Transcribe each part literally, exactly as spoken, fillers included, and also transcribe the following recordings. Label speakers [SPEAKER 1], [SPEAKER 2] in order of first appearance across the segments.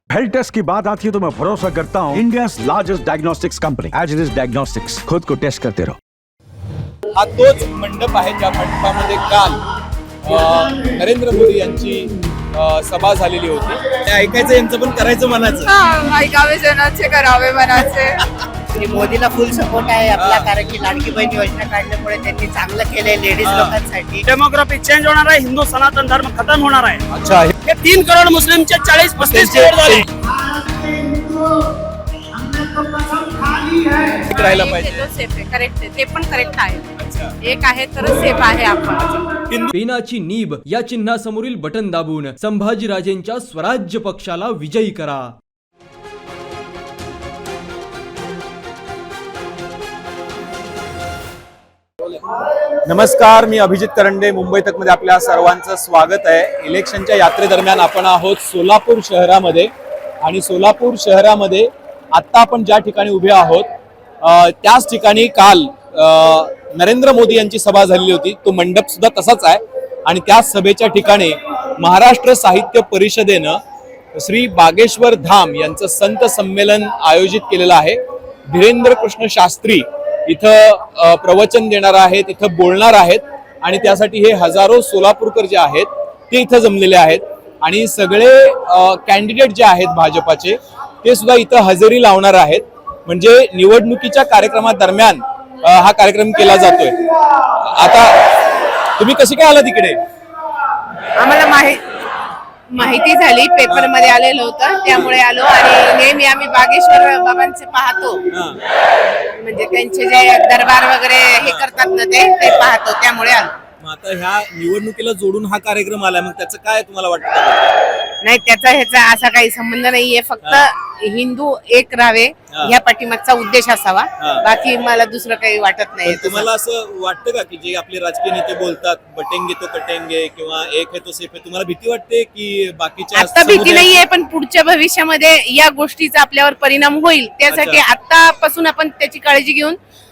[SPEAKER 1] Health taste की बात आती है तो मैं भरोसा करता हूँ India largest diagnostics company as it is diagnostics. खुद को टेस्ट करते रहो।
[SPEAKER 2] हा तोच मंडप आहे ज्या मंडपामध्ये काल अ, नरेंद्र मोदी यांची अ, सभा झालेली होती। ते ऐकायचं यांचं पण करायचं मनाचं।
[SPEAKER 3] हा, ऐकावे जनाचे करावे मनाचे।
[SPEAKER 4] मोदीला फुल सपोर्ट आहे आपला, कारण की लाडकी बहीण योजना काढल्यामुळे त्यांनी चांगलं केलंय लेडीज लोकांसाठी।
[SPEAKER 5] डेमोग्राफी चेंज होणार आहे, हिंदू सनातन धर्म खतम होणार आहे।
[SPEAKER 2] अच्छा,
[SPEAKER 5] हे तीन करोड मुस्लिमचे चाळीस पस्तीस करोड झाले।
[SPEAKER 2] राहायला पाहिजे।
[SPEAKER 3] सेफ आहे, करेक्ट आहे, ते पण करेक्ट आहे। एक आहे तर सेफ आहे आपण।
[SPEAKER 6] पेनाची नीब या चिन्हासमोरील बटन दाबून संभाजीराजेंच्या स्वराज्य पक्षाला विजयी करा।
[SPEAKER 2] नमस्कार, मी अभिजित करंडे, मुंबई तक मध्ये आपल्या सर्वांचं स्वागत आहे। इलेक्शनच्या यात्रेदरम्यान आपण आहोत सोलापूर शहरामध्ये आणि सोलापूर शहरामध्ये आता आपण ज्या ठिकाणी उभे आहोत अ, त्याच ठिकाणी काल अ, नरेंद्र मोदी यांची सभा झालेली होती। तो मंडप सुद्धा तसाच आहे आणि त्या सभेच्या ठिकाणी महाराष्ट्र साहित्य परिषदेनं श्री बागेश्वर धाम यांचं संत संमेलन आयोजित केलेलं आहे। धीरेंद्र कृष्ण शास्त्री इथं प्रवचन देणार आहेत, इथं बोलणार आहेत आणि त्यासाठी हे हजारो सोलापूरकर जे आहेत ते इथं जमलेले आहेत आणि सगळे कॅन्डिडेट जे आहेत भाजपाचे ते सुद्धा इथं हजेरी लावणार आहेत। म्हणजे निवडणुकीच्या कार्यक्रमादरम्यान हा कार्यक्रम केला जातोय। आता तुम्ही कसे काय आला तिकडे?
[SPEAKER 3] आम्हाला माहिती माहिती झाली, पेपर मध्ये आलेलं होतं त्यामुळे आलो आणि नेहमी आम्ही बागेश्वर बाबांचे पाहतो, म्हणजे त्यांचे जे दरबार वगैरे हे करतात ना ते ते पाहतो त्यामुळे आलो।
[SPEAKER 2] मग आता ह्या निवडणुकीला जोडून हा कार्यक्रम आलाय, मग त्याचं काय तुम्हाला वाटतं?
[SPEAKER 3] नाही, त्याचा ह्याचा असा काही संबंध नाहीये, फक्त हिंदू एक राहावे ह्या पाठीमागचा उद्देश असावा, बाकी मला दुसरं काही वाटत नाही।
[SPEAKER 2] तुम्हाला असं वाटतं का की जे आपले राजकीय नेते बोलतात बटेंगे तो कटेंगे किंवा एक है तो सेफ है, तुम्हाला भीती वाटते की बाकीच्या?
[SPEAKER 3] आता भीती नाहीये, पण पुढच्या भविष्यामध्ये या गोष्टीचा आपल्यावर परिणाम होईल, त्यासाठी आतापासून आपण त्याची काळजी घेऊन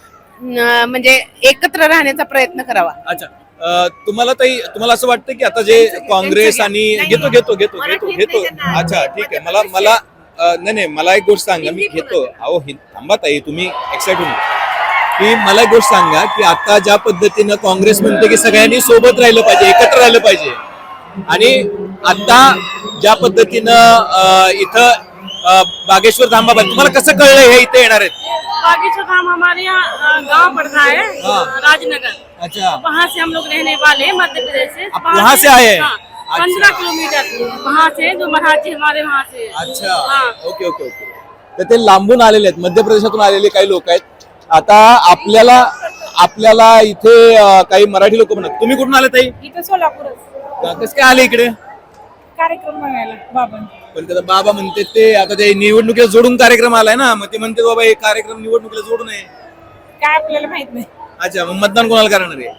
[SPEAKER 3] म्हणजे एकत्र राहण्याचा प्रयत्न करावा।
[SPEAKER 2] अच्छा, तुम्हाला ताई तुम्हाला असं वाटतं की आता जे काँग्रेस आणि घेतो घेतो घेतो घेतो घेतो अच्छा ठीक आहे, मला मला नाही नाही मला एक गोष्ट सांगा, मी घेतो अहो थांबा ताई, तुम्ही एक्साइट होऊन की मला एक गोष्ट सांगा की आता ज्या पद्धतीनं काँग्रेस म्हणते की सगळ्यांनी सोबत राहिलं पाहिजे, एकत्र राहिलं पाहिजे, आणि आता ज्या पद्धतीनं इथं बागेश्वर धाम बाबा, तुम्हाला कसं कळलं हे इथे येणार आहेत?
[SPEAKER 7] बागेश्वर धाम हमारे यहाँ गांव पड़ता है, राजनगर।
[SPEAKER 2] अच्छा,
[SPEAKER 7] वहाँ से हम लोग रहने वाले हैं, मध्य प्रदेश से।
[SPEAKER 2] आप वहाँ से आए हैं?
[SPEAKER 7] पंद्रह किलोमीटर वहाँ से, जो मराठी हमारे वहाँ से।
[SPEAKER 2] अच्छा,
[SPEAKER 7] हाँ।
[SPEAKER 2] Okay okay okay. तर ते लांबून आलेले आहेत, मध्य प्रदेशातून आलेले काही लोक आहेत। आता आपल्याला आपल्याला इथे अं, काही मराठी लोक म्हणतात। तुम्ही कुठून आले ताई?
[SPEAKER 7] इथं सोलापूर
[SPEAKER 2] कसं काय आले इकडे?
[SPEAKER 7] कार्यक्रम बघायला बाबा।
[SPEAKER 2] पण त्याचा बाबा म्हणते ते आता ते निवडणुकीला जोडून कार्यक्रम आलाय ना, मग ते म्हणते बाबा हे कार्यक्रम निवडणुकीला जोडून आहे।
[SPEAKER 7] काय आपल्याला माहित नाही,
[SPEAKER 2] अच्छा, मग मतदान कोणाला करणार आहे?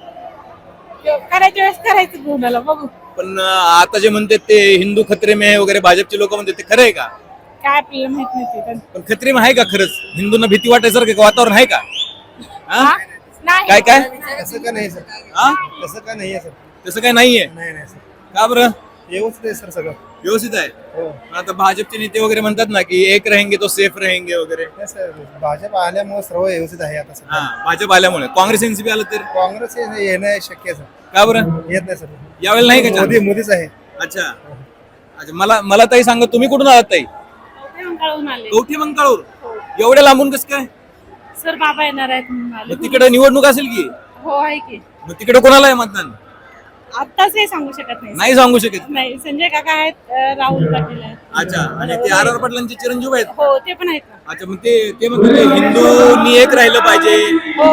[SPEAKER 7] करायच्या वेळेस करायचं कोणाला बघू।
[SPEAKER 2] पण अं, आता जे म्हणते ते हिंदू खत्रे में आहे वगैरे, भाजपचे लोक म्हणते ते खरं आहे का?
[SPEAKER 7] काय आपल्याला माहित नाही ते।
[SPEAKER 2] पण खत्रे में आहे का खरंच? हिंदूंना भीती वाटायसारखं वातावरण आहे का? हा?
[SPEAKER 7] नाही,
[SPEAKER 2] काय काय
[SPEAKER 8] तसं का नाही सर,
[SPEAKER 2] हा?
[SPEAKER 8] तसं का नाही आहे सर,
[SPEAKER 2] तसं काय नाहीये?
[SPEAKER 8] नाही नाही सर,
[SPEAKER 2] का बरं?
[SPEAKER 8] व्यवस्थित आहे सर सगळं।
[SPEAKER 2] व्यवस्थित आहे।
[SPEAKER 8] हो,
[SPEAKER 2] पण आता भाजपचे नेते वगैरे म्हणतात ना की एक रहेंगे तो सेफ रहेंगे वगैरे।
[SPEAKER 8] नाही सर, भाजप आल्यामुळे सर्व व्यवस्थित आहे आता सर।
[SPEAKER 2] हा, भाजप आल्यामुळे काँग्रेस एनसीपी आलं तर
[SPEAKER 8] काँग्रेस हे येणं शक्य आहे सर,
[SPEAKER 2] का बरं?
[SPEAKER 8] येत नाही सर,
[SPEAKER 2] यावेळेला नाही का
[SPEAKER 8] मोदी
[SPEAKER 2] chance?
[SPEAKER 8] मोदीच आहे।
[SPEAKER 2] अच्छा अच्छा, मला मला ताई सांगा, तुम्ही कुठून आलात ताई?
[SPEAKER 7] कळून आले
[SPEAKER 2] कवठी मंगळूर, एवढ्या लांबून कसं काय?
[SPEAKER 7] सर, बाबा येणार आहेत म्हणून आले।
[SPEAKER 2] मग तिकडे निवडणूक असेल की?
[SPEAKER 7] हो, आहे की।
[SPEAKER 2] मग तिकडे कोणाला आहे मतदान?
[SPEAKER 7] आत्ताच हे सांगू शकत नाही।
[SPEAKER 2] नाही सांगू शकत।
[SPEAKER 7] नाही, संजय काका आहेत, अं, राहुल पाटील आहेत।
[SPEAKER 2] अच्छा, आणि ते आर आर पाटलांचे चिरंजीव आहेत?
[SPEAKER 7] हो, ते पण आहेत ना।
[SPEAKER 2] अच्छा, मग ते ते म्हणतात ते हिंदूंनी एक राहिलं पाहिजे।
[SPEAKER 7] हो,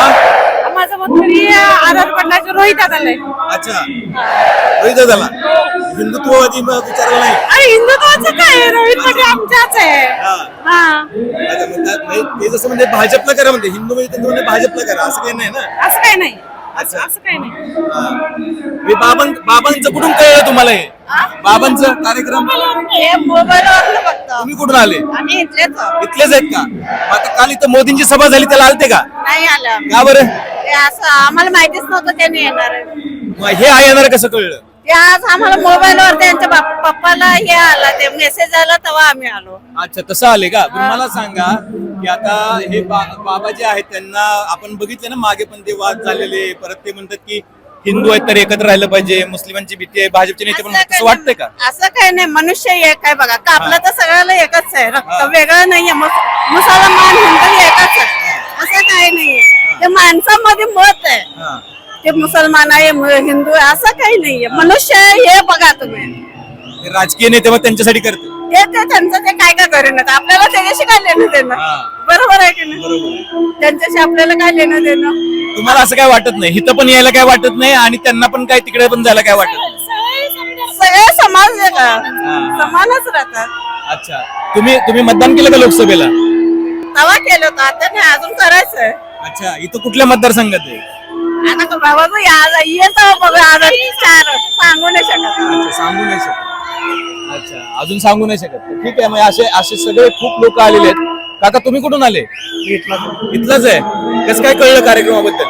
[SPEAKER 2] हा?
[SPEAKER 7] माझं मत तरी आर आर पाटलाचं रोहित दादाला आहे।
[SPEAKER 2] अच्छा, रोहित झाला हिंदुत्ववादी मग विचारला नाही?
[SPEAKER 7] अरे, हिंदुत्वाचं काय, रोहित पाटील आमच्याच आहे।
[SPEAKER 2] हा.
[SPEAKER 7] हा,
[SPEAKER 2] अच्छा, मग त्यात म्हणजे ते जसं म्हणजे भाजपला करा म्हणते, हिंदू म्हणजे ते म्हणते भाजपला करा, असं काही नाही ना?
[SPEAKER 7] असं काय नाही,
[SPEAKER 2] अच्छा,
[SPEAKER 7] असं काय नाही।
[SPEAKER 2] हा. हे बाबां बाबांचं कुठून कळलं तुम्हाला हे? बाबांचं कार्यक्रम
[SPEAKER 4] हे मोबाईलवर बघतो
[SPEAKER 2] तुम्ही कुठून आले?
[SPEAKER 4] आम्ही इथलेच आहोत.
[SPEAKER 2] इथलेच आहेत का? मग आता काल इथं मोदींची सभा झाली, त्याला आलते का?
[SPEAKER 4] नाही आलं,
[SPEAKER 2] का बरं?
[SPEAKER 4] ते असं आम्हाला माहितीच नव्हतं त्यांनी येणार आहे।
[SPEAKER 2] मग हे आहे येणार कसं कळलं?
[SPEAKER 4] ते आज आम्हाला मोबाईलवर त्यांच्या बाप- पप्पाला हे आला ते मेसेज आला तेव्हा आम्ही आलो.
[SPEAKER 2] अच्छा तसं आले का पण मला सांगा की आता हे बा- बाबा जे आहेत त्यांना आपण बघितले ना मागे पण ते वाद झालेले परत ते म्हणतात की हिंदू आहेत तर एकत्र राहिलं पाहिजे मुस्लिमांची भीती आहे भाजपचे नेते पण
[SPEAKER 4] असं
[SPEAKER 2] तसं
[SPEAKER 4] काही
[SPEAKER 2] वाटतंय का
[SPEAKER 4] नाही- असं काही नाही मनुष्य एक आहे बघा का आपलं तर सगळ्याला एकच आहे रक्त
[SPEAKER 2] हा.
[SPEAKER 4] वेगळं नाहीये मुस- मुसलमान हिंदू एकच आहे असं काही नाहीये ते माणसामध्ये मत आहे
[SPEAKER 2] हा.
[SPEAKER 4] ते मुसलमान आहे मु- हिंदू आहे असं काही नाहीये मनुष्य आहे हे बघा तुम्ही
[SPEAKER 2] ते राजकीय नेते मग त्यांच्यासाठी करते
[SPEAKER 4] ते ते त्यांचं ते काय काय करेन आपल्याला त्याच्याशी काय लेणं देणं
[SPEAKER 2] हा.
[SPEAKER 4] बरोबर आहे की नाही
[SPEAKER 2] बरोबर
[SPEAKER 4] त्यांच्याशी आपल्याला काय लेणं देणं
[SPEAKER 2] तुम्हाला असं काय वाटत नाही इथं पण यायला काय वाटत नाही आणि त्यांना पण काय तिकडे पण जायला काय वाटत नाही
[SPEAKER 4] सगळे समाज आहे का समानच राहतात.
[SPEAKER 2] अच्छा तुम्ही तुम्ही मतदान केलं का लोकसभेला
[SPEAKER 4] तवा केलं होतं आता नाही अजून करायचंय.
[SPEAKER 2] अच्छा इथं कुठल्या मतदारसंघात आहे
[SPEAKER 4] आता का बाबा तू या येतो बघा आता चार सांगू नाही शकत.
[SPEAKER 2] अच्छा सांगू नाही शकत अच्छा अजून सांगू नाही शकत ठीक आहे मग असे असे सगळे खूप लोक आलेले आहेत काका तुम्ही कुठून आले इथलंच आहे कसं काय कळलं कार्यक्रमाबद्दल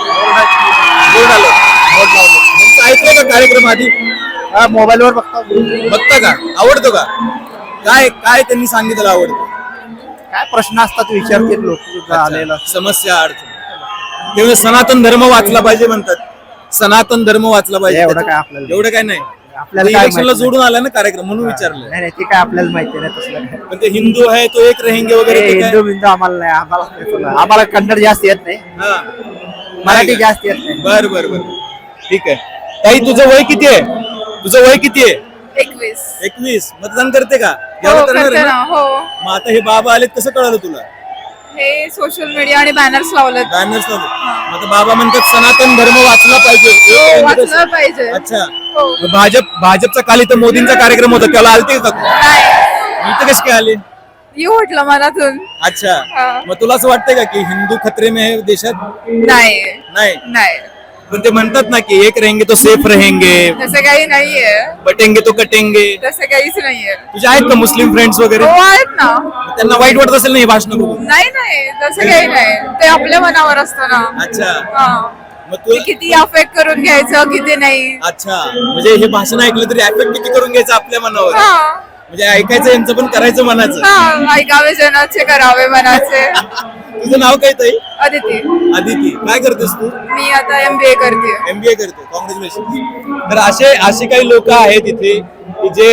[SPEAKER 2] बोर्ड आलं बोर्ड लावलं तुमचं ऐकलं का कार्यक्रम आधी
[SPEAKER 8] मोबाईल वर बघता
[SPEAKER 2] बघता का आवडतो का काय काय त्यांनी सांगितलं आवडतं
[SPEAKER 8] काय प्रश्न असतात विचारतील लोक आलेला
[SPEAKER 2] समस्या अडचण ते म्हणजे सनातन धर्म वाचला पाहिजे म्हणतात सनातन धर्म वाचला पाहिजे
[SPEAKER 8] एवढं
[SPEAKER 2] त्याच्यात-
[SPEAKER 8] काय आपल्याला-
[SPEAKER 2] एवढं काय नाही
[SPEAKER 8] आपल्याला काय
[SPEAKER 2] इलेक्शनला
[SPEAKER 8] माहिती
[SPEAKER 2] जोडून आला ना कार्यक्रम म्हणून विचारलं
[SPEAKER 8] नाही नाही ते काय आपल्याला माहिती नाही तसलं काय
[SPEAKER 2] पण ते हिंदू आहे तो एक रहेंगे वगैरे
[SPEAKER 8] हे
[SPEAKER 2] ते काय?
[SPEAKER 8] हिंदू बिंदू आम्हाला नाही आम्हाला नाही तुला. आम्हाला कन्नड जास्त येत नाही
[SPEAKER 2] हा.
[SPEAKER 8] मराठी
[SPEAKER 2] नाही का?
[SPEAKER 8] जास्त येत नाही
[SPEAKER 2] बर बर बर ठीक आहे ताई तुझं वय किती आहे तुझं वय किती आहे
[SPEAKER 3] एकवीस
[SPEAKER 2] एकवीस मतदान करते का
[SPEAKER 3] हो
[SPEAKER 2] यावर करणार
[SPEAKER 3] करते
[SPEAKER 2] आहे
[SPEAKER 3] ना
[SPEAKER 2] ना?
[SPEAKER 3] हो
[SPEAKER 2] मग आता हे बाबा आलेत कसं कळालं तुला
[SPEAKER 3] हे सोशल मीडिया आणि बॅनर्स लावलेत
[SPEAKER 2] बॅनर्स मग आता बाबा म्हणतात सनातन धर्म वाचला पाहिजे
[SPEAKER 3] हो, वाचलं पाहिजे
[SPEAKER 2] अच्छा
[SPEAKER 3] हो.
[SPEAKER 2] मग भाजप भाजपचा काल इथं मोदींचा कार्यक्रम होता त्याला आलते का तू?
[SPEAKER 3] नाही
[SPEAKER 2] इथं कसे काय आले
[SPEAKER 3] येऊ म्हटलं मनातून
[SPEAKER 2] अच्छा
[SPEAKER 3] हा.
[SPEAKER 2] मग तुला असं वाटतंय का की हिंदू खतरे में है देशात
[SPEAKER 3] नाही
[SPEAKER 2] नाही
[SPEAKER 3] नाही
[SPEAKER 2] पण ते म्हणतात ना की एक रहेंगे तो सेफ रहेंगे
[SPEAKER 3] तसं काही नाहीये
[SPEAKER 2] बटेंगे तो कटेंगे
[SPEAKER 3] तसं काहीच नाहीये
[SPEAKER 2] तुझे आहेत का मुस्लिम फ्रेंड्स वगैरे
[SPEAKER 3] हो आहेत ना
[SPEAKER 2] त्यांना वाईट वाटत असेल ना ही भाषण बघून
[SPEAKER 3] नाही नाही तसं काही नाही ते आपल्या मनावर असतं ना
[SPEAKER 2] अच्छा
[SPEAKER 3] हा
[SPEAKER 2] मग तू
[SPEAKER 3] ते किती अफेक्ट करून घ्यायचं किती नाही
[SPEAKER 2] अच्छा म्हणजे हे भाषण ऐकलं तरी ऍफेक्ट किती करून घ्यायचं आपल्या मनावर
[SPEAKER 3] हा
[SPEAKER 2] म्हणजे ऐकायचं यांचं पण करायचं मनाचं
[SPEAKER 3] हा ऐकावे जनाचे करावे मनाचे
[SPEAKER 2] तुझं नाव काय ताई
[SPEAKER 3] अदिती
[SPEAKER 2] आदिती काय करतेस तू
[SPEAKER 3] मी आता एमबीए करते
[SPEAKER 2] एमबीए करते कॉंग्रॅच्युलेशन तर असे असे काही लोक आहेत इथे की जे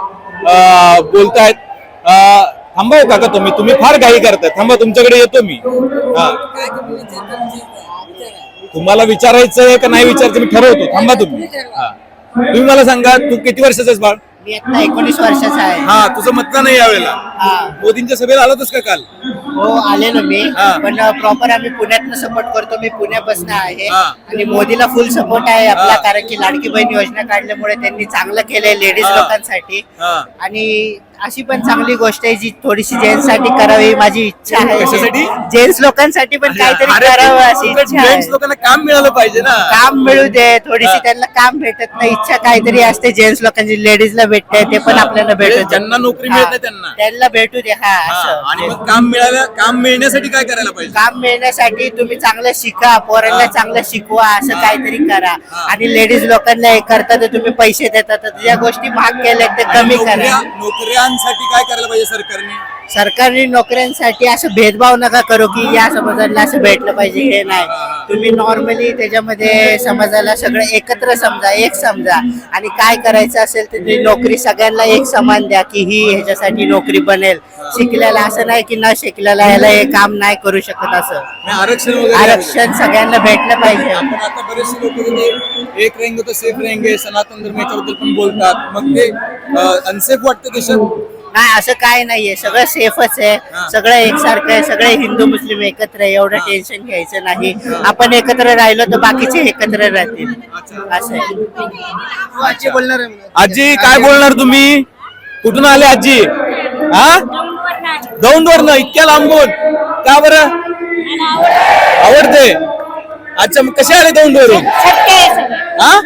[SPEAKER 2] अं, बोलतायत अं, थांबा हो काका तुम्ही तुम्ही फार घाई करताय थांबा तुमच्याकडे येतो मी हा तुम्हाला विचारायचं आहे का नाही विचारायचं मी ठरवतो थांबा तुम्ही हा तुम्ही मला सांगा तू किती वर्षाचा आहेस बाळ
[SPEAKER 4] मी आता एकोणीस वर्षाचा आहे.
[SPEAKER 2] हा तुझं मतदान आहे यावेळेला
[SPEAKER 4] हा.
[SPEAKER 2] मोदींच्या सभेला आला होतास का काल
[SPEAKER 4] हो आलेलो मी
[SPEAKER 2] हा.
[SPEAKER 4] पण प्रॉपर आम्ही पुण्यातनं सपोर्ट करतो मी पुण्यापासून आहे
[SPEAKER 2] हा.
[SPEAKER 4] आणि मोदीला फुल सपोर्ट आहे आपला
[SPEAKER 2] हा.
[SPEAKER 4] कारण की लाडकी बहीण योजना काढल्यामुळे त्यांनी चांगलं केलंय लेडीज
[SPEAKER 2] हा.
[SPEAKER 4] लोकांसाठी
[SPEAKER 2] हा.
[SPEAKER 4] आणि अशी पण चांगली गोष्ट आहे जी थोडीशी जेंट्स साठी करावी माझी इच्छा आहे
[SPEAKER 2] कशासाठी?
[SPEAKER 4] जेंट्स लोकांसाठी पण काहीतरी
[SPEAKER 2] अरे,
[SPEAKER 4] करावं अशी
[SPEAKER 2] उलट
[SPEAKER 4] इच्छा आहे.
[SPEAKER 2] जेंट्स लोकांना काम मिळालं पाहिजे ना
[SPEAKER 4] काम मिळू दे थोडीशी
[SPEAKER 2] हा.
[SPEAKER 4] त्यांना काम भेटत नाही इच्छा काहीतरी असते जेंट्स लोकांची लेडीजला भेटते ते पण आपल्याला
[SPEAKER 2] म्हणजे
[SPEAKER 4] भेटत
[SPEAKER 2] ज्यांना नोकरी मिळत नाही त्यांना.
[SPEAKER 4] त्यांना भेटू दे हा
[SPEAKER 2] हा,
[SPEAKER 4] असं
[SPEAKER 2] आणि मग काम मिळालं काम मिळण्यासाठी काय करायला पाहिजे
[SPEAKER 4] काम मिळण्यासाठी तुम्ही चांगलं शिका पोरांना
[SPEAKER 2] हा.
[SPEAKER 4] चांगलं शिकवा असं
[SPEAKER 2] हा.
[SPEAKER 4] काहीतरी करा
[SPEAKER 2] हा.
[SPEAKER 4] आणि लेडीज लोकांना हे करता तर तुम्ही पैसे देता तर ज्या गोष्टी भाग केल्या ते
[SPEAKER 2] आणि
[SPEAKER 4] कमी
[SPEAKER 2] नोकऱ्या-
[SPEAKER 4] करा
[SPEAKER 2] नोकऱ्यांसाठी काय करायला पाहिजे सरकारने
[SPEAKER 4] सरकारी नोकऱ्यांसाठी असं भेदभाव नका करू की या समाजाला असं भेटलं पाहिजे हे नाही तुम्ही नॉर्मली त्याच्यामध्ये समाजाला सगळं एकत्र समजा एक समजा आणि काय करायचं असेल तर तुम्ही नोकरी सगळ्यांना एक समान द्या की ही ह्याच्यासाठी नोकरी बनेल शिकलेला असं नाही की न शिकलेला याला हे काम नाही करू शकत असं
[SPEAKER 2] नाही, आरक्षण वगैरे
[SPEAKER 4] आरक्षण सगळ्यांना भेटलं पाहिजे
[SPEAKER 2] आपण आता बरेचसे लोक एक रहेंगे तो सेफ रहेंगे सनातन धर्म याच्याबद्दल पण बोलतात मग ते अनसेफ वाटतं देशात
[SPEAKER 4] नाही असं काय नाहीये सगळं सेफच
[SPEAKER 2] हा.
[SPEAKER 4] आहे सगळं एकसारखं आहे सगळे हिंदू मुस्लिम एकत्र आहे एवढं टेन्शन घ्यायचं नाही आपण एकत्र राहिलो तर बाकीचे एकत्र राहतील असं आहे
[SPEAKER 8] आजी बोलणार आहे मला.
[SPEAKER 2] आजी काय बोलणार तुम्ही कुठून आले आजी हा दौंडवरनं इतक्या लांबून का बरं आवडते अच्छा मग कसे आले दौंडवरून हा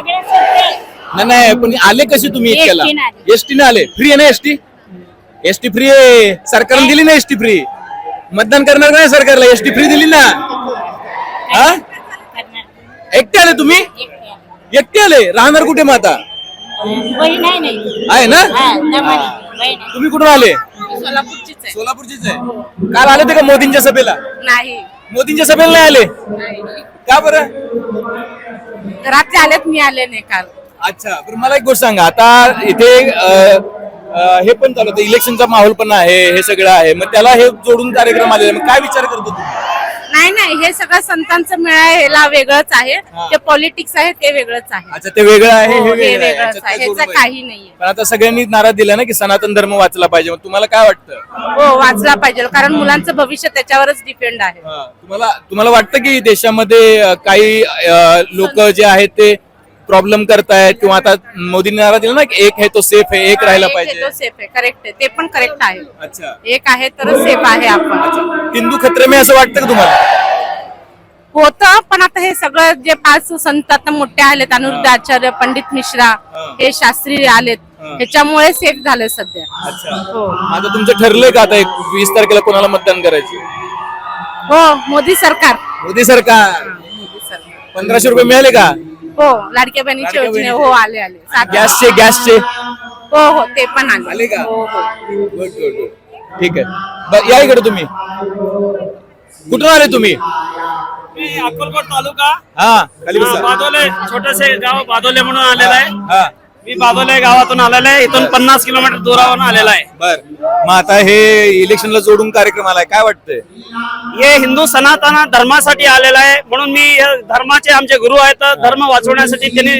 [SPEAKER 2] नाही नाही पण आले कसे तुम्ही इतक्याला एसटी आले फ्री आहे ना एसटी एसटी फ्री आहे सरकारने दिली ना एसटी फ्री मतदान करणार नाही सरकारला एसटी फ्री दिली ना हा एकटे आले तुम्ही एकटे आले राहणार कुठे मग आता
[SPEAKER 3] बहीण आहे नाही
[SPEAKER 2] आहे ना
[SPEAKER 3] बहीण
[SPEAKER 2] तुम्ही कुठून आले
[SPEAKER 3] सोलापूरचीच आहे
[SPEAKER 2] सोलापूरचीच आहे काल आले ते का मोदींच्या सभेला
[SPEAKER 3] नाही
[SPEAKER 2] मोदींच्या सभेला नाही आले का बरं
[SPEAKER 3] रात्री आलेत मी आले नाही काल
[SPEAKER 2] अच्छा बरं मला एक गोष्ट सांगा आता इथे अ, अ, हे पण चालू इलेक्शनचा माहोल पण आहे हे सगळं आहे मग त्याला हे जोडून कार्यक्रम आलेला मग काय विचार करतो तुम्ही
[SPEAKER 3] नाही नाही हे सगळं संतांचं मेळा ह्याला वेगळंच आहे ते पॉलिटिक्स आहे ते वेगळंच आहे
[SPEAKER 2] अच्छा ते वेगळं आहे हे
[SPEAKER 3] हो, हे
[SPEAKER 2] वेगळं आहे.
[SPEAKER 3] वेगळंच
[SPEAKER 2] याच्यात
[SPEAKER 3] आहे
[SPEAKER 2] काय जोडून
[SPEAKER 3] ह्याचं
[SPEAKER 2] पाहिजे?
[SPEAKER 3] काही नाहीये
[SPEAKER 2] पण आता सगळ्यांनी नारा दिला ना की सनातन धर्म वाचला पाहिजे मग तुम्हाला काय वाटतं
[SPEAKER 3] हो वाचला पाहिजे कारण मुलांचं भविष्य त्याच्यावरच डिपेंड आहे
[SPEAKER 2] हा, तुम्हाला तुम्हाला वाटतं की देशामध्ये अ, काही लोक जे आहेत ते प्रॉब्लेम करतायत किंवा आता मोदींनी नारा दिला ना की एक आहे तो सेफ आहे एक राहायला
[SPEAKER 3] एक आहे
[SPEAKER 2] पाहिजे
[SPEAKER 3] तो सेफ आहे करेक्ट आहे ते पण करेक्ट आहे
[SPEAKER 2] अच्छा
[SPEAKER 3] एक आहे तर सेफ आहे आपण
[SPEAKER 2] हिंदू खत्रे में असं वाटतं का तुम्हाला
[SPEAKER 3] होतं पण आता हे सगळं जे पाच संत आता मोठे आलेत अनिरुद्ध आचार्य पंडित मिश्रा हे शास्त्री आलेत ह्याच्यामुळे सेफ झाले सध्या
[SPEAKER 2] अच्छा
[SPEAKER 3] हो
[SPEAKER 2] आता तुमचं ठरलंय का आता एक वीस तारखेला कोणाला मतदान करायचं
[SPEAKER 3] हो मोदी सरकार
[SPEAKER 2] मोदी सरकार पंधराशे रुपये मिळाले का
[SPEAKER 3] हो लाडक्या बहिणीचे
[SPEAKER 2] लाडक्या
[SPEAKER 3] योजने
[SPEAKER 2] बहिणीचे.
[SPEAKER 3] हो आले आले सात-
[SPEAKER 2] गॅसचे गॅसचे
[SPEAKER 3] हो हो ते पण आले
[SPEAKER 2] आले का?
[SPEAKER 3] हो हो
[SPEAKER 2] गुड गुड गुड ठीक आहे ब- या इकडे तुम्ही कुठून आले तुम्ही
[SPEAKER 5] मी अक्कलकोट तालुका
[SPEAKER 2] हा खाली
[SPEAKER 5] हा,
[SPEAKER 2] बसा.
[SPEAKER 5] बादोले छोटेसे गाव बादोले म्हणून आलेला आहे
[SPEAKER 2] हा
[SPEAKER 5] मी बादोले गावातून आलेला आहे इथून पन्नास किलोमीटर दूरावरून आलेला आहे
[SPEAKER 2] बर मग आता हे इलेक्शनला जोडून कार्यक्रम आलाय काय वाटतंय
[SPEAKER 5] हे हिंदू सनातन धर्मासाठी आलेला आहे म्हणून मी हे धर्माचे आमचे गुरु आहेत धर्म वाचवण्यासाठी त्यांनी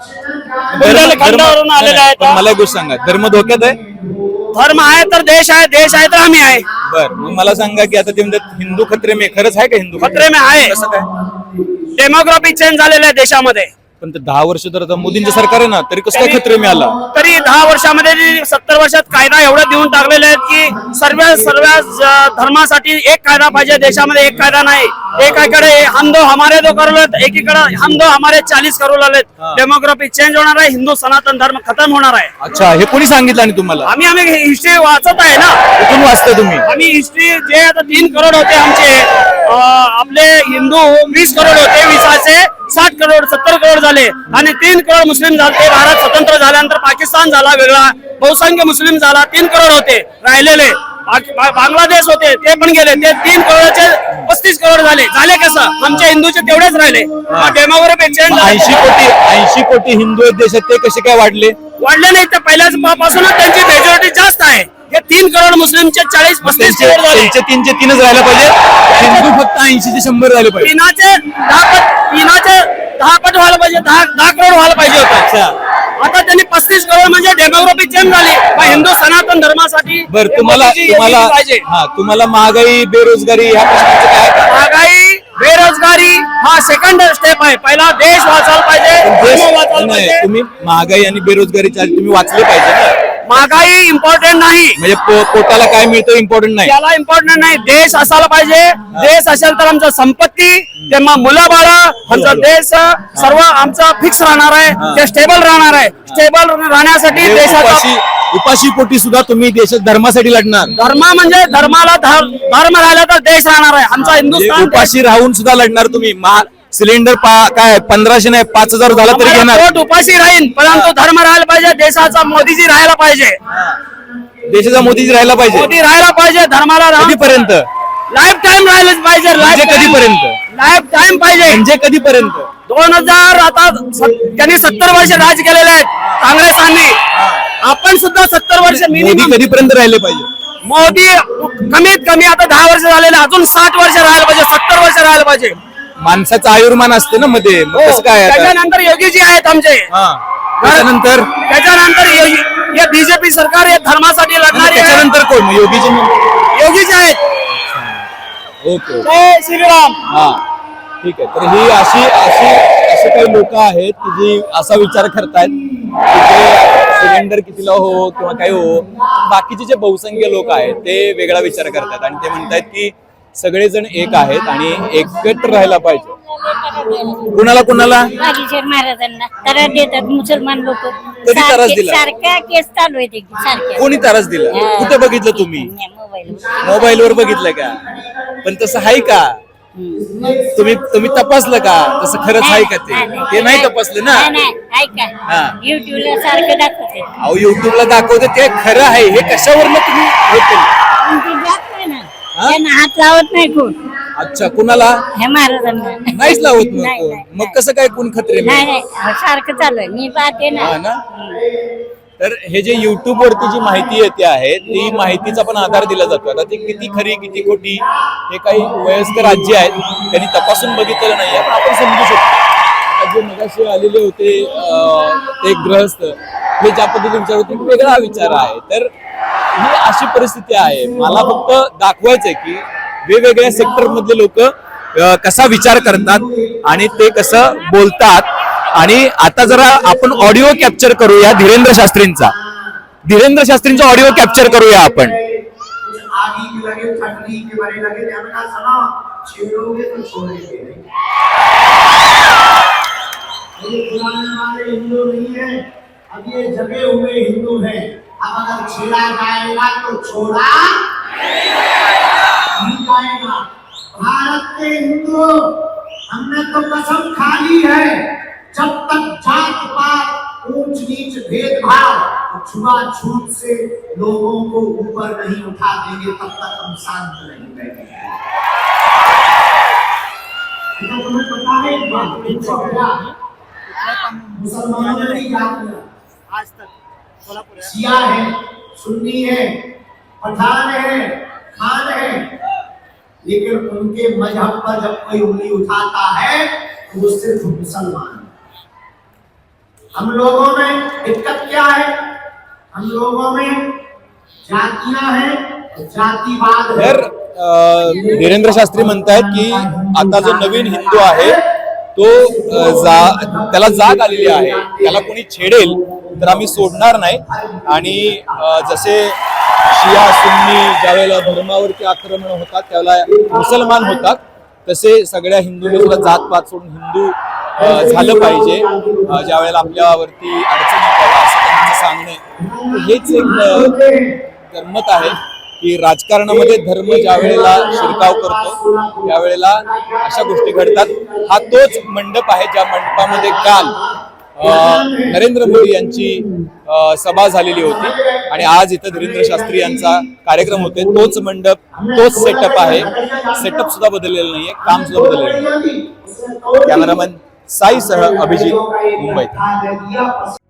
[SPEAKER 2] धर्म-
[SPEAKER 5] खंडावरून आलेले
[SPEAKER 2] नाही,
[SPEAKER 5] आहेत
[SPEAKER 2] पण मला एक गोष्ट सांगा धर्म धोक्यात आहे
[SPEAKER 5] धर्म आहे तर देश आहे देश आहे तर आम्ही आहे
[SPEAKER 2] बर मग मला सांगा की आता ते म्हणतात हिंदू खत्रे में खरंच आहे का हिंदू
[SPEAKER 5] खतरे में आहे
[SPEAKER 2] कसं काय
[SPEAKER 5] डेमोग्राफी चेंज झालेलं आहे देशामध्ये
[SPEAKER 2] पण ते दहा वर्ष तर आता मोदींचं सरकार आहे ना तरी कसं काय खत्रे में आला
[SPEAKER 5] तरी दहा वर्षामध्ये जे सत्तर वर्षात कायदा एवढे देऊन टाकलेले आहेत की सर्व सर्व ज- धर्मासाठी एक कायदा पाहिजे देशामध्ये एक कायदा नाही एकाकडे हम दो हमारे दो करू लागलेत एकीकडे हम दो हमारे चाळीस करू लागलेत डेमोग्राफी चेंज होणार आहे हिंदू सनातन धर्म खतम होणार आहे
[SPEAKER 2] अच्छा हे कोणी सांगितलं आणि तुम्हाला
[SPEAKER 5] आम्ही आम्ही हिस्ट्री वाचत आहे ना
[SPEAKER 2] कुठून वाचताय तुम्ही
[SPEAKER 5] आम्ही हिस्ट्री जे आता तीन करोड होते आमचे अं, आपले हिंदू वीस करोड होते वीसाचे साठ करोड सत्तर करोड झाले आणि तीन करोड मुस्लिम झाले भारत स्वतंत्र झाल्यानंतर पाकिस्तान झाला वेगळा बहुसंख्य मुस्लिम झाला तीन करोड होते राहिलेले बाक- बा- बांगलादेश होते ते पण गेले ते तीन करोडचे पस्तीस करोड झाले झाले कसं आमच्या हिंदूचे तेवढेच राहिले डेमोग्राफी चेंज
[SPEAKER 2] ऐंशी कोटी ऐंशी कोटी हिंदू आहेत देशात ते कसे काय वाढले
[SPEAKER 5] वाढले नाही तर पहिल्याच पासूनच त्यांची मेजॉरिटी जास्त आहे हे तीन करोड मुस्लिमचे चाळीस पस्तीस
[SPEAKER 2] त्यांचे
[SPEAKER 5] करोड झाले
[SPEAKER 2] त्यांचे तीनचे तीनच राहायला पाहिजे हिंदू फक्त ऐंशी ते शंभर राहिले पाहिजे
[SPEAKER 5] तीनाचे दहा पट तीनाचे दहा पट व्हायला पाहिजे दहा दहा करोड व्हायला पाहिजे होतं
[SPEAKER 2] अच्छा
[SPEAKER 5] आता त्यांनी पस्तीस करोड म्हणजे डेमोग्राफी चेंज झाली मग हिंदू सनातन धर्मासाठी
[SPEAKER 2] बर
[SPEAKER 5] हे
[SPEAKER 2] तुम्हाला
[SPEAKER 5] मोदीजी
[SPEAKER 2] तुम्हाला
[SPEAKER 5] यांनी पाहिजे
[SPEAKER 2] हा तुम्हाला महागाई बेरोजगारी ह्या प्रश्नाचं काय आहे?
[SPEAKER 5] महागाई बेरोजगारी हा सेकंड स्टेप आहे पहिला देश वाचायला पाहिजे
[SPEAKER 2] देश-
[SPEAKER 5] धर्म वाचायला
[SPEAKER 2] नाही,
[SPEAKER 5] पाहिजे
[SPEAKER 2] तुम्ही महागाई आणि बेरोजगारीच्या आधी तुम्ही वाचले पाहिजे ना
[SPEAKER 5] महागाई इम्पॉर्टंट नाही
[SPEAKER 2] म्हणजे पो- पोटाला काय मिळतं इम्पॉर्टंट नाही
[SPEAKER 5] त्याला इम्पॉर्टंट नाही देश असायला पाहिजे देश असेल तर आमचं संपत्ती तेव्हा मुलं बाळ आमचा देश सर्व आमचा फिक्स राहणार आहे ते स्टेबल राहणार आहे स्टेबल राहण्यासाठी
[SPEAKER 2] म्हणजे
[SPEAKER 5] देशाचा
[SPEAKER 2] उपाशी उपाशी पोटी सुद्धा तुम्ही देशात धर्मासाठी लढणार
[SPEAKER 5] धर्म म्हणजे धर्माला धर- धर्म राहिला तर देश राहणार आहे आमचा
[SPEAKER 2] म्हणजे
[SPEAKER 5] हिंदुस्थान देश.
[SPEAKER 2] उपाशी राहून सुद्धा लढणार तुम्ही महा- सिलेंडर पा- काय पंधराशे नाही पाच हजार झाला तरी
[SPEAKER 5] आम्हाला
[SPEAKER 2] घेणार
[SPEAKER 5] पोट उपाशी राहील परंतु धर्म राहायला पाहिजे देशाचा मोदीजी राहायला पाहिजे
[SPEAKER 2] देशाचा मोदीजी राहायला पाहिजे
[SPEAKER 5] मोदी राहायला पाहिजे धर्माला
[SPEAKER 2] कधीपर्यंत
[SPEAKER 5] लाईफ टाइम राहिलंच पाहिजे
[SPEAKER 2] म्हणजे कधीपर्यंत?
[SPEAKER 5] लाईफ टाइम पाहिजे
[SPEAKER 2] म्हणजे कधीपर्यंत
[SPEAKER 5] दोन हजार आता स- त्यांनी सत्तर वर्ष राज केलेले आहेत काँग्रेसांनी आपण सुद्धा सत्तर वर्ष
[SPEAKER 2] मोदी
[SPEAKER 5] मिनिमम
[SPEAKER 2] कधीपर्यंत राहिले पाहिजे
[SPEAKER 5] मोदी कमीत कमी आता दहा वर्ष झालेले अजून साठ वर्ष राहायला पाहिजे सत्तर वर्ष राहायला पाहिजे
[SPEAKER 2] माणसाचं आयुर्मान असते ना मध्ये मग कसं काय आता?
[SPEAKER 5] त्याच्यानंतर योगीजी आहेत आमचे
[SPEAKER 2] हा. त्याच्यानंतर
[SPEAKER 5] त्याच्यानंतर योगी- हे बीजेपी सरकार हे धर्मासाठी लढणारे आहे.
[SPEAKER 2] त्याच्यानंतर कोण मग योगीजी मग?
[SPEAKER 5] योगीजी आहेत
[SPEAKER 2] ओके
[SPEAKER 5] जय श्रीराम
[SPEAKER 2] हा ठीक आहे तर ही अशी अशी असे काही लोक आहेत की जी असा विचार करतायत की जे सिलेंडर कितीला हो किंवा काही हो बाकीचे जे बहुसंख्य लोक आहेत ते वेगळा विचार करतात आणि ते म्हणतायत की सगळेजण एक आहेत आणि एकत्र राहायला पाहिजे कुणाला कुणाला
[SPEAKER 9] बागेश्वर महाराजांना त्रास देतात मुसलमान लोक
[SPEAKER 2] कधी त्रास दिला?
[SPEAKER 9] सारख्या केस चालू आहेत एकदम सारख्या
[SPEAKER 2] कोणी त्रास दिला
[SPEAKER 9] हा.
[SPEAKER 2] कुठे बघितलं तुम्ही
[SPEAKER 9] मोबाईल
[SPEAKER 2] मोबाईल वर बघितलं का पण तसं आहे का
[SPEAKER 9] हम्म.
[SPEAKER 2] तुम्ही तुम्ही तपासलं का तसं खरंच आहे का ते ते नाही तपासलं ना
[SPEAKER 9] नाही, नाही. ऐका
[SPEAKER 2] हा.
[SPEAKER 9] युट्यूबला सारखं दाखवते
[SPEAKER 2] अहो युट्यूबला दाखवते ते खरं आहे हे कशावरनं तुम्ही हे केलं?
[SPEAKER 9] पण ते जात नाही ना
[SPEAKER 2] हा?
[SPEAKER 9] त्यांना हात लावत नाही कोण
[SPEAKER 2] अच्छा कुणाला
[SPEAKER 9] हे महाराजांना
[SPEAKER 2] नाहीच लावत मग
[SPEAKER 9] नाही,
[SPEAKER 2] कोण.
[SPEAKER 9] नाही,
[SPEAKER 2] मग
[SPEAKER 9] नाही.
[SPEAKER 2] कसं काय कोण खत्रे में?
[SPEAKER 9] नाही नाही सारखं चालू आहे मी पाहते ना
[SPEAKER 2] हा ना? तर हे जे युट्यूब वरती जी माहिती येते आहे ती माहितीचा पण आधार दिला जातो आता ती किती खरी किती खोटी हे काही वयस्कर आजी आहेत त्यांनी तपासून बघितलेलं नाहीये पण आपण समजू शकतो आता जे मगाशी आलेले होते अं, ते ग्रहस्थ हे ज्या पद्धतीने विचार होते वेगळा विचार आहे तर ही अशी परिस्थिती आहे मला फक्त दाखवायचंय की वेगवेगळ्या सेक्टर मधले लोक कसा विचार करतात आणि ते कसं बोलतात आणि आता जरा आपण ऑडिओ कॅप्चर करूया धीरेंद्र शास्त्रींचा धीरेंद्र शास्त्रींचा ऑडिओ कॅप्चर करूया आपण
[SPEAKER 10] आगे लगे ठंडी के बारे लगे हमने सुना छेड़ोगे तो छोड़ेंगे नहीं ये पुराने वाले हिंदू नहीं है अब ये जगे हुए हिंदू हैं अब अगर छेड़ा जाएगा तो छोड़ा नहीं जाएगा भारत के हिंदू हमने तो कसम खा ली है जब तक जात पात ऊंच नीच भेदभाव छुआछूत से लोगों को ऊपर नहीं उठा देंगे तब तक हम शांत नहीं बैठेंगे तो तुम्हें पता है एक बात इनको क्या है मुसलमानों ने नहीं याद किया आज तक शिया है सुन्नी है पठान है खान है लेकिन उनके मजहब पर जब कोई उंगली उठाता है तो वो सिर्फ मुसलमान है हम लोगों में दिक्कत क्या है हम लोगों में जातियां हैं जातिवाद है
[SPEAKER 2] तर अं, धीरेंद्र शास्त्री म्हणतायत की आता जो नवीन हिंदू आहे तो अं, जा त्याला जाग आलेली आहे त्याला कोणी छेडेल तर आम्ही सोडणार नाही आणि अं, जसे शिया सुन्नी ज्यावेळेला धर्मावरती आक्रमण होतात त्यावेळेला मुसलमान होतात तसे सगळ्या हिंदूंनी सुद्धा जातपात सोडून हिंदू अं, झालं पाहिजे अं, ज्या वेळेला आपल्यावरती अडचणी येतात असं त्यांचं सांगणं हेच एक अं, गंमत आहे की राजकारणामध्ये धर्म ज्या वेळेला शिरकाव करतो त्यावेळेला अशा गोष्टी घडतात हा तोच मंडप आहे ज्या मंडपामध्ये काल अं, नरेंद्र मोदी यांची अं, सभा झालेली होती आणि आज इथं धीरेंद्र शास्त्री यांचा कार्यक्रम होते तोच मंडप तोच सेटअप आहे सेटअप सुद्धा बदललेलं नाहीये काम सुद्धा बदललेलं नाही कॅमेरामॅन साई सह अभिजित मुंबई.